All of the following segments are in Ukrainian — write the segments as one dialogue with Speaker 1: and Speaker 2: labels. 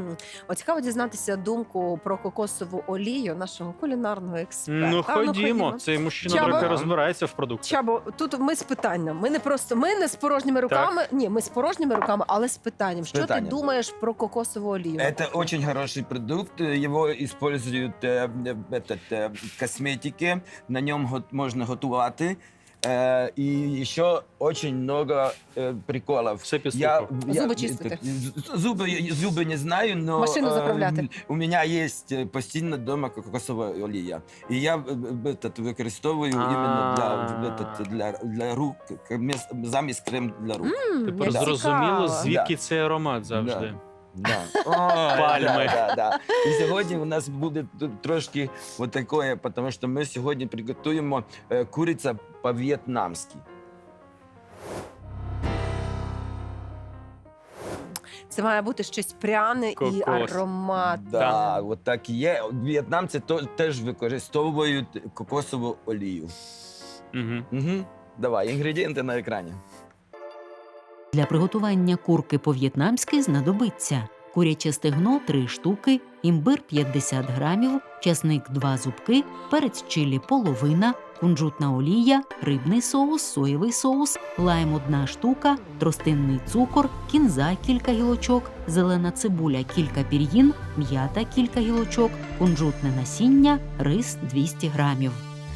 Speaker 1: От цікаво дізнатися думку про кокосову олію нашого кулінарного експерта.
Speaker 2: Ну, ходімо. Цей мужчина
Speaker 1: Чабо-
Speaker 2: трохи розбирається в продуктах.
Speaker 1: Чабо, тут ми з питанням. Ми не з порожніми руками. Ні, ми з порожніми руками, але з питанням. Що ти
Speaker 3: питанням.
Speaker 1: думаєш про кокосову олію?
Speaker 3: Это очень хороший продукт. Его используют в косметике. На нем можно готувати. И еще очень много приколов.
Speaker 2: Все під ступор.
Speaker 1: Зуби чистити.
Speaker 3: Зубы не знаю, но
Speaker 1: Машину заправляти.
Speaker 3: у меня есть постійно дома кокосова олія. І я використовую іменно для рук, замість крем для рук.
Speaker 2: Тепер
Speaker 1: як
Speaker 2: зрозуміло,
Speaker 1: цікаво.
Speaker 2: звідки цей аромат завжди.
Speaker 3: Да.
Speaker 2: Пальми.
Speaker 3: Да. І сьогодні у нас буде тут трошки вот такое, тому що ми сьогодні приготуємо куриця по-в'єтнамськи.
Speaker 1: Це має бути щось пряне і
Speaker 2: Кокос.
Speaker 1: ароматне.
Speaker 3: Да, от так і є. В'єтнамці теж використовують кокосову олію.
Speaker 2: Угу.
Speaker 3: Давай, інгредієнти на екрані.
Speaker 4: Для приготування курки по-в'єтнамськи знадобиться куряче стегно 3 штуки, імбир 50 грамів, часник 2 зубки, перець чилі половина, кунжутна олія, рибний соус, соєвий соус, лайм 1 штука, тростинний цукор, кінза кілька гілочок, зелена цибуля кілька пір'їн, м'ята кілька гілочок, кунжутне насіння, рис 200 грамів.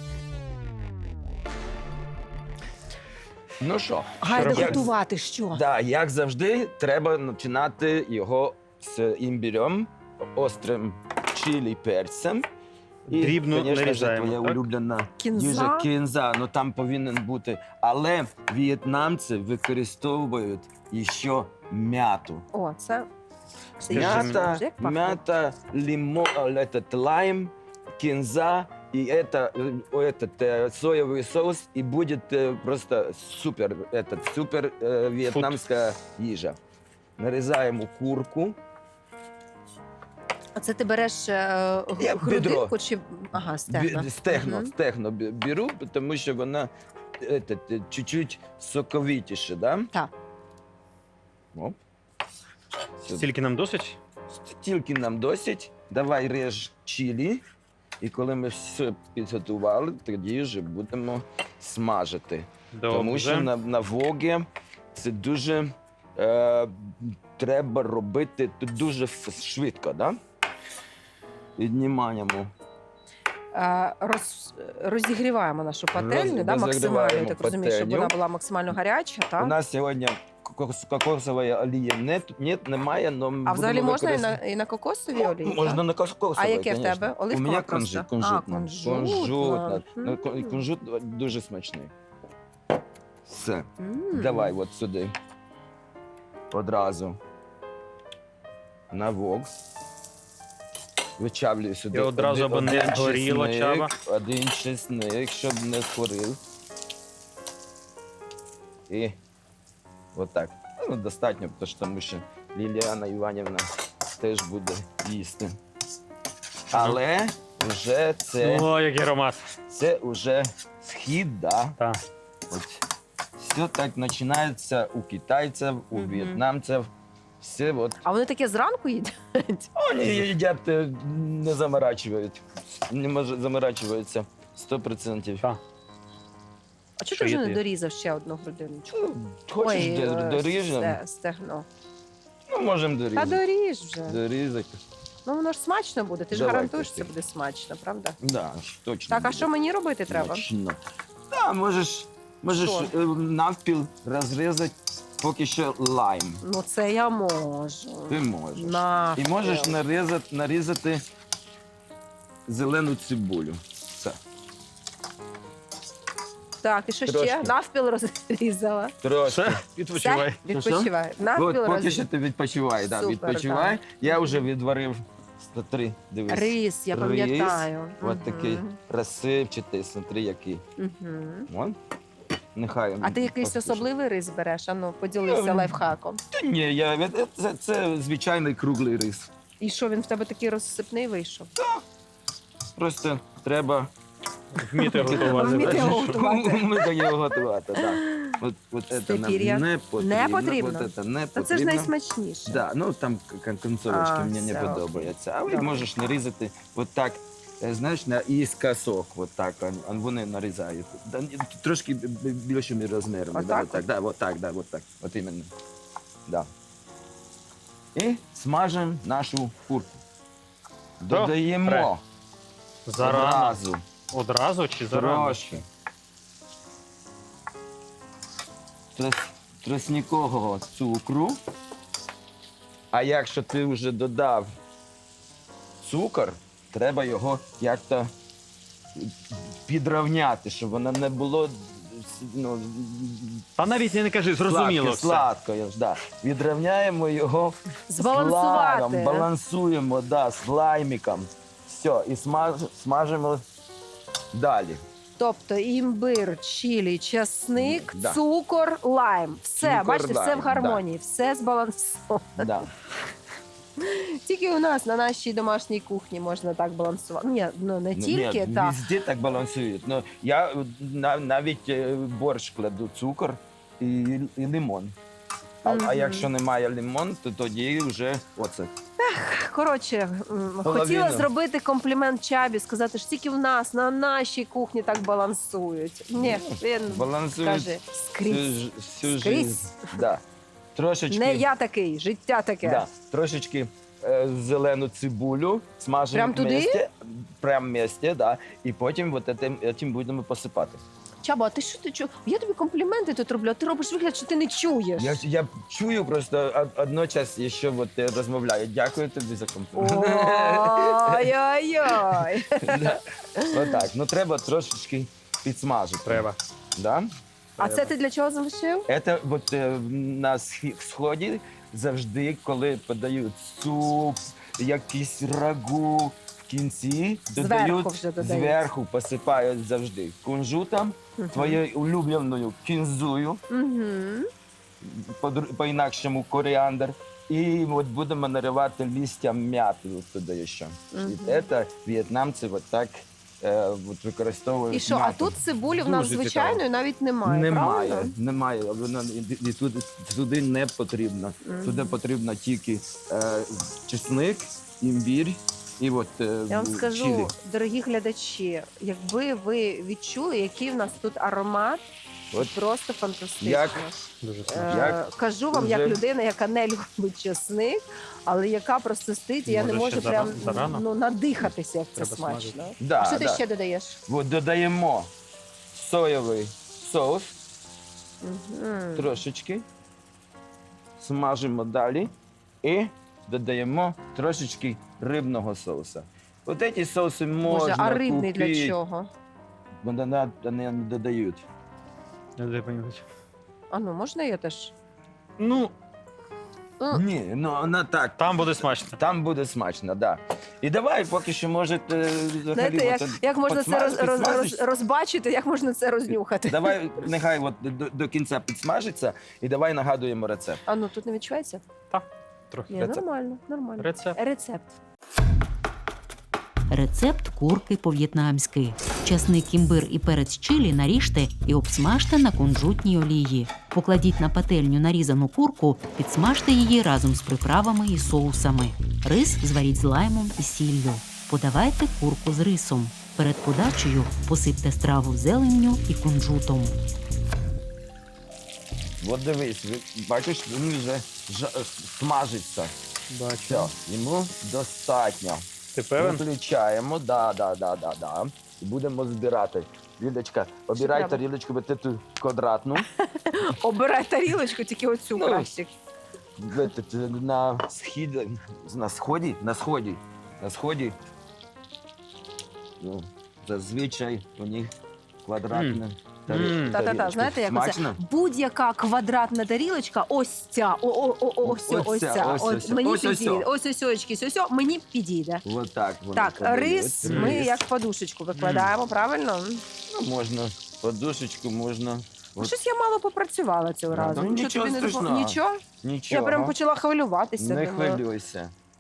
Speaker 3: Ну що?
Speaker 1: Гайда
Speaker 2: робити?
Speaker 1: готувати що?
Speaker 3: Да, як завжди, треба починати його з імбирем, острим чилі перцем.
Speaker 2: Дрібно
Speaker 3: конечно ж,
Speaker 2: нарізаємо,
Speaker 3: твоя
Speaker 2: так?
Speaker 3: улюблена
Speaker 1: Кінза?
Speaker 3: їжа кінза, ну там повинен бути. Але в'єтнамці використовують ще м'яту.
Speaker 1: О, це
Speaker 3: М'ята,
Speaker 1: як пахне?
Speaker 3: м'ята, лайм, кінза і соєвий соус, і буде просто супер, супер в'єтнамська їжа. Нарізаємо курку.
Speaker 1: А це ти береш
Speaker 3: Бідро.
Speaker 1: грудинку чи... Ага, стегна.
Speaker 3: Стегно беру, тому що вона чуть-чуть соковитіше, да?
Speaker 1: Так.
Speaker 3: Оп.
Speaker 2: Стільки нам досить?
Speaker 3: Стільки нам досить. Давай реж чилі. І коли ми все підготували, тоді вже будемо смажити. Тому що
Speaker 2: Добре.
Speaker 3: на вогі це дуже треба робити дуже швидко, да? Піднімаємо.
Speaker 1: Розігріваємо нашу пательню, да, максимально,
Speaker 3: розігріваємо
Speaker 1: я так розумію, щоб
Speaker 3: пательню.
Speaker 1: вона була максимально гаряча,
Speaker 3: У
Speaker 1: так?
Speaker 3: нас сьогодні кокосової олії немає, але
Speaker 1: А взагалі можна і на кокосовій олії?
Speaker 3: Можна
Speaker 1: так?
Speaker 3: на кокосовій,
Speaker 1: А яке в
Speaker 3: конечно.
Speaker 1: тебе?
Speaker 3: У
Speaker 1: Оливкова
Speaker 3: мене
Speaker 1: просто?
Speaker 3: кунжутна.
Speaker 1: Кунжутна.
Speaker 3: Ну, кунжут дуже смачний. Все.
Speaker 1: М.
Speaker 3: Давай от сюди. Одразу. На вок. Вичавлюю сюди.
Speaker 2: І одразу, аби не горіло, Чаба.
Speaker 3: Один чесник, щоб не згорів. І отак. Ну, достатньо, тому що Ліліана Іванівна теж буде їсти. Але вже
Speaker 2: О, який аромат.
Speaker 3: це вже схід, да?
Speaker 2: Так.
Speaker 3: От. Все так починається у китайців, у
Speaker 1: Мгм.
Speaker 3: в'єтнамців. Все от.
Speaker 1: А вони таке зранку їдять?
Speaker 3: Вони їдять, не заморачують. Не заморачуються 100%.
Speaker 2: Так.
Speaker 1: А чого
Speaker 2: Що
Speaker 1: ти вже
Speaker 2: є
Speaker 1: не
Speaker 2: ти?
Speaker 1: дорізав ще одну грудиночку?
Speaker 3: Ну, хочеш доріжемо?
Speaker 1: Стегно.
Speaker 3: Ну, можемо
Speaker 1: Та
Speaker 3: дорізати.
Speaker 1: доріж вже.
Speaker 3: Дорізати.
Speaker 1: Ну воно ж смачно буде, ти ж
Speaker 3: Давай,
Speaker 1: гарантуєш,
Speaker 3: Костя.
Speaker 1: це буде смачно, правда?
Speaker 3: Да, точно.
Speaker 1: Так, а
Speaker 3: буде
Speaker 1: що мені робити треба?
Speaker 3: смачно. Да, можеш
Speaker 1: Що?
Speaker 3: навпіл розрізати поки що лайм.
Speaker 1: Ну це я можу.
Speaker 3: Ти можеш.
Speaker 1: Навпіл.
Speaker 3: І можеш нарізати зелену цибулю. Все.
Speaker 1: Так, і що ще?
Speaker 3: Трошки.
Speaker 1: Навпіл розрізала.
Speaker 3: Трошки.
Speaker 2: Все, відпочивай.
Speaker 1: Все, відпочивай. Навпіл
Speaker 3: От, поки що
Speaker 1: розрізала.
Speaker 3: ти відпочивай, да,
Speaker 1: Супер,
Speaker 3: відпочивай.
Speaker 1: так.
Speaker 3: Я вже відварив 103, дивись.
Speaker 1: Рис, я
Speaker 3: Рис.
Speaker 1: пам'ятаю.
Speaker 3: От такий розсипчатий, смотри, який.
Speaker 1: Мгм.
Speaker 3: Вон. Нехай.
Speaker 1: А ти якийсь
Speaker 3: послухає.
Speaker 1: особливий рис береш? Ану, поділися лайфхаком.
Speaker 3: Та ні, це звичайний круглий рис.
Speaker 1: І що, він в тебе такий розсипний вийшов?
Speaker 3: Просто треба
Speaker 2: Вміти готувати.
Speaker 1: Вміти
Speaker 2: бачиш?
Speaker 1: готувати.
Speaker 3: Ми його готувати, так. От це нам
Speaker 1: Степір'я.
Speaker 3: не потрібно.
Speaker 1: Не потрібно?
Speaker 3: От це не
Speaker 1: Та це ж
Speaker 3: потрібно.
Speaker 1: найсмачніше.
Speaker 3: Да, ну там концовочки
Speaker 1: А,
Speaker 3: мені не
Speaker 1: все,
Speaker 3: подобаються. А ви
Speaker 1: Добре.
Speaker 3: можеш нарізати от так, знаєш, наіскосок, от так, вони нарізають. Трошки більшими розмірами. Да,
Speaker 1: Отак
Speaker 3: от так, да, от так, да, от так, от іменно. Да. І смажимо нашу курку. Додаємо
Speaker 2: Зарано.
Speaker 3: одразу
Speaker 2: Одразу чи зарано?
Speaker 3: трошки тростникового цукру. А якщо ти вже додав цукор, треба його як-то підрівняти, щоб воно не було ну,
Speaker 2: Та навіть не кажи, зрозуміло все.
Speaker 3: сладко. Да. Відрівняємо його
Speaker 1: Збалансувати.
Speaker 3: з лаймом, балансуємо да, з лаймиком. Все, і смажимо далі.
Speaker 1: Тобто імбир, чилі, часник,
Speaker 3: Да.
Speaker 1: цукор, лайм. Все,
Speaker 3: Цукор,
Speaker 1: бачите, все
Speaker 3: лайм,
Speaker 1: в гармонії, все збалансовано.
Speaker 3: Да.
Speaker 1: Тільки у нас на нашій домашній кухні можна так балансувати. Ні, ну не тільки,
Speaker 3: Ні,
Speaker 1: так.
Speaker 3: везде так балансують. Ну, я навіть борщ кладу цукор і лимон. А
Speaker 1: Мгм.
Speaker 3: якщо немає лимон, то тоді вже оце.
Speaker 1: Коротше, хотіла зробити комплімент Чабі, сказати, що тільки в нас, на нашій кухні так балансують. Ні, він
Speaker 3: Балансують
Speaker 1: каже, скрізь.
Speaker 3: всю
Speaker 1: Скрізь.
Speaker 3: жизнь. Да. Трошечки,
Speaker 1: Не я такий, життя таке.
Speaker 3: да, трошечки зелену цибулю смажимо
Speaker 1: Прям туди?
Speaker 3: вместе, прям вместе, да, і потім от цим будемо посипати.
Speaker 1: Чаба, а ти що ти чуєш? Я тобі компліменти тут роблю, а ти робиш вигляд, що ти не чуєш.
Speaker 3: Я чую просто одночас, що от розмовляю. Дякую тобі за комплімент.
Speaker 1: Ой-ой-ой.
Speaker 3: Да. Отак, ну треба трошечки підсмажити.
Speaker 2: Треба.
Speaker 3: Да?
Speaker 1: А це ти для чого залишив?
Speaker 3: Це от, на сході завжди, коли подають суп, якийсь рагу, в кінці додають,
Speaker 1: вже додають.
Speaker 3: зверху посипають завжди кунжутом, твоєю улюбленою кінзою,
Speaker 1: Угу.
Speaker 3: по-інакшому коріандр. І от будемо наривати листя м'яти от туди ще.
Speaker 1: Мгм.
Speaker 3: І це в'єтнамці от так от використовують
Speaker 1: І що, а
Speaker 3: м'яту.
Speaker 1: тут цибулі в нас
Speaker 3: Дуже
Speaker 1: звичайної
Speaker 3: цікаво.
Speaker 1: навіть немає,
Speaker 3: Немає,
Speaker 1: правильно?
Speaker 3: немає. Вона і туди не потрібно.
Speaker 1: Мгм.
Speaker 3: Туди потрібно тільки чесник, імбір і от
Speaker 1: Я вам скажу,
Speaker 3: чилі.
Speaker 1: дорогі глядачі, якби ви відчули, який в нас тут аромат,
Speaker 3: От
Speaker 1: просто фантастично.
Speaker 3: як
Speaker 2: Дуже
Speaker 1: Е,
Speaker 2: смачно.
Speaker 3: Як
Speaker 1: Кажу вам,
Speaker 3: вже-
Speaker 1: як людина, яка не любить чесник, але яка просто стоїть, і я не
Speaker 2: Може,
Speaker 1: можу
Speaker 2: ще
Speaker 1: прям
Speaker 2: зарано?
Speaker 1: ну, надихатися, як це
Speaker 2: Треба
Speaker 1: смачно.
Speaker 2: смажити.
Speaker 3: да,
Speaker 1: А що ти
Speaker 3: да.
Speaker 1: ще додаєш?
Speaker 3: От додаємо соєвий соус
Speaker 1: Мгм.
Speaker 3: трошечки, смажимо далі і додаємо трошечки рибного соуса. От ці соуси можна
Speaker 1: Боже, а рибний
Speaker 3: купити.
Speaker 1: для чого?
Speaker 3: Вони не додають.
Speaker 2: Не дай понюхати.
Speaker 1: А ну, можна я теж?
Speaker 2: Ну,
Speaker 3: Ні, ну вона так.
Speaker 2: там буде смачно.
Speaker 3: Там буде смачно, да. І давай поки що, може,
Speaker 1: Знаєте, як можна це
Speaker 3: підсмажиш?
Speaker 1: розбачити, як можна це рознюхати?
Speaker 3: Давай, нехай от до кінця підсмажиться, і давай нагадуємо рецепт.
Speaker 1: А ну, тут не відчувається?
Speaker 2: Трохи.
Speaker 1: Ні,
Speaker 3: Рецепт.
Speaker 1: нормально, нормально.
Speaker 2: Рецепт.
Speaker 1: Рецепт.
Speaker 4: Рецепт курки по-в'єтнамськи. Часник, імбир і перець чилі наріжте і обсмажте на кунжутній олії. Покладіть на пательню нарізану курку, підсмажте її разом з приправами і соусами. Рис зваріть з лаймом і сіллю. Подавайте курку з рисом. Перед подачею посипте страву зеленню і кунжутом.
Speaker 3: От дивись, бачиш, він вже смажиться.
Speaker 2: Бачу.
Speaker 3: Все, йому достатньо.
Speaker 2: Ти певен?
Speaker 3: Виключаємо, да. І будемо збирати. Лідочка, обирай
Speaker 1: треба?
Speaker 3: тарілочку, бо ти ту квадратну.
Speaker 1: Обирай тарілочку, тільки оцю
Speaker 3: Ну,
Speaker 1: краще.
Speaker 3: На сході. Ну, зазвичай у них квадратна тарілочка.
Speaker 1: Та-та-та, знаєте, як оце?
Speaker 3: Смачно?
Speaker 1: Будь-яка квадратна тарілочка, ось ця, ось ця. От мені підійде. Ось очки, мені підійде.
Speaker 3: Вот так. воно
Speaker 1: Так,
Speaker 3: подають.
Speaker 1: рис ми як подушечку викладаємо, правильно?
Speaker 3: Ну, можна подушечку, можна. От,
Speaker 1: Щось я мало попрацювала цього
Speaker 3: Да,
Speaker 1: разу.
Speaker 3: ну, нічого
Speaker 1: тобі не
Speaker 3: страшного.
Speaker 1: Нічого?
Speaker 3: нічого.
Speaker 1: Я прям почала хвилюватися.
Speaker 3: Не
Speaker 1: думаю.
Speaker 3: хвилюйся.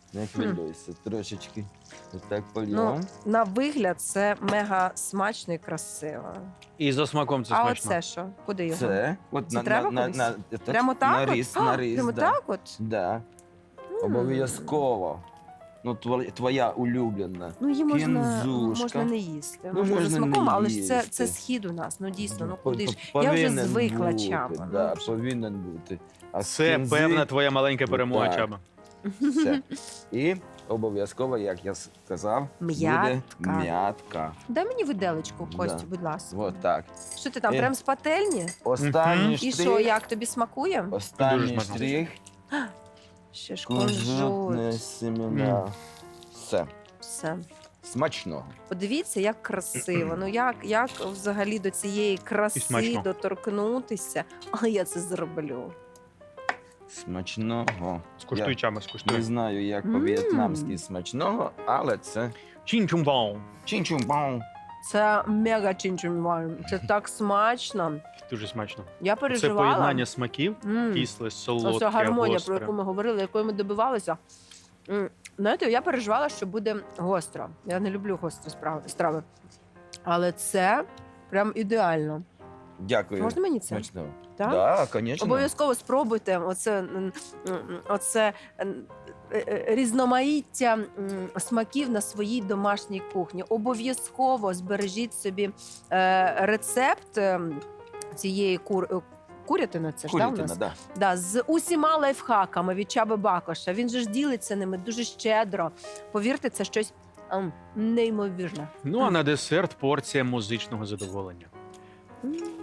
Speaker 3: Не хвилюйся, трошечки. Отак
Speaker 1: Ну,
Speaker 3: польємо.
Speaker 1: на вигляд це мега смачно і красиво.
Speaker 2: І за смаком це
Speaker 1: А
Speaker 2: смачно.
Speaker 1: оце що? Куди його?
Speaker 3: Це, от
Speaker 1: Це треба кудись? Прямо так?
Speaker 3: на
Speaker 1: от?
Speaker 3: рис,
Speaker 1: А,
Speaker 3: на рис,
Speaker 1: прямо
Speaker 3: да.
Speaker 1: так от?
Speaker 3: Да.
Speaker 1: М.
Speaker 3: Обов'язково. Ну, твоя улюблена.
Speaker 1: Ну, її можна,
Speaker 3: Кінзушка.
Speaker 1: можна не їсти.
Speaker 3: Ну,
Speaker 1: можна за
Speaker 3: можна
Speaker 1: смаком,
Speaker 3: не
Speaker 1: але ж це
Speaker 3: їсти.
Speaker 1: схід у нас. Ну дійсно, ну
Speaker 3: По-
Speaker 1: куди ж?
Speaker 3: по-
Speaker 1: Я вже
Speaker 3: повинен
Speaker 1: звикла,
Speaker 3: бути,
Speaker 1: Чаба.
Speaker 3: Да,
Speaker 1: Ну,
Speaker 3: повинен бути. А з
Speaker 2: Це
Speaker 3: кінзи
Speaker 2: певна твоя маленька перемога,
Speaker 3: Так.
Speaker 2: Чаба.
Speaker 3: все. І обов'язково, як я сказав,
Speaker 1: М'ятка.
Speaker 3: буде м'ятка.
Speaker 1: Дай мені виделечку, Костю,
Speaker 3: Да.
Speaker 1: будь ласка.
Speaker 3: Вот так.
Speaker 1: Що ти там,
Speaker 3: І-
Speaker 1: прям з пательні?
Speaker 3: Останній
Speaker 1: І що,
Speaker 3: штрих.
Speaker 1: як тобі смакує?
Speaker 2: Дуже
Speaker 3: Останній
Speaker 2: смачно.
Speaker 3: штрих.
Speaker 1: Ще ж
Speaker 3: Кунжутне
Speaker 1: кунжут.
Speaker 3: семена. Все.
Speaker 1: Все.
Speaker 3: Смачного.
Speaker 1: Подивіться, як красиво. Ну як взагалі до цієї
Speaker 2: І
Speaker 1: краси
Speaker 2: смачно.
Speaker 1: доторкнутися? Але я це зроблю.
Speaker 3: Смачного.
Speaker 2: Скуштуй, Чаба,
Speaker 3: Не
Speaker 2: скуштуй.
Speaker 3: знаю, як
Speaker 1: Мм.
Speaker 3: по-в'єтнамськи смачного, але це
Speaker 2: Чин-чум-бау.
Speaker 3: чин-чум-бау.
Speaker 1: Це мега чинчумван. Це так смачно.
Speaker 2: Дуже смачно.
Speaker 1: Я
Speaker 2: Це
Speaker 1: переживала.
Speaker 2: поєднання смаків, кисле, солодке,
Speaker 1: Оця гармонія,
Speaker 2: гостре.
Speaker 1: про яку ми говорили, якої ми добивалися. Знаєте, я переживала, що буде гостро. Я не люблю гострі страви. Але це прям ідеально.
Speaker 3: Дякую.
Speaker 1: Можна мені це?
Speaker 3: Смачного.
Speaker 1: Так?
Speaker 3: Да, звісно.
Speaker 1: Обов'язково спробуйте оце різноманіття смаків на своїй домашній кухні. Обов'язково збережіть собі рецепт цієї курятини. Це ж да, у
Speaker 3: Курятина,
Speaker 1: нас?
Speaker 3: да.
Speaker 1: Да, з усіма лайфхаками від Чаби Бакоша. Він же ж ділиться ними дуже щедро. Повірте, це щось неймовірне.
Speaker 2: Ну а на десерт порція музичного задоволення.
Speaker 1: М.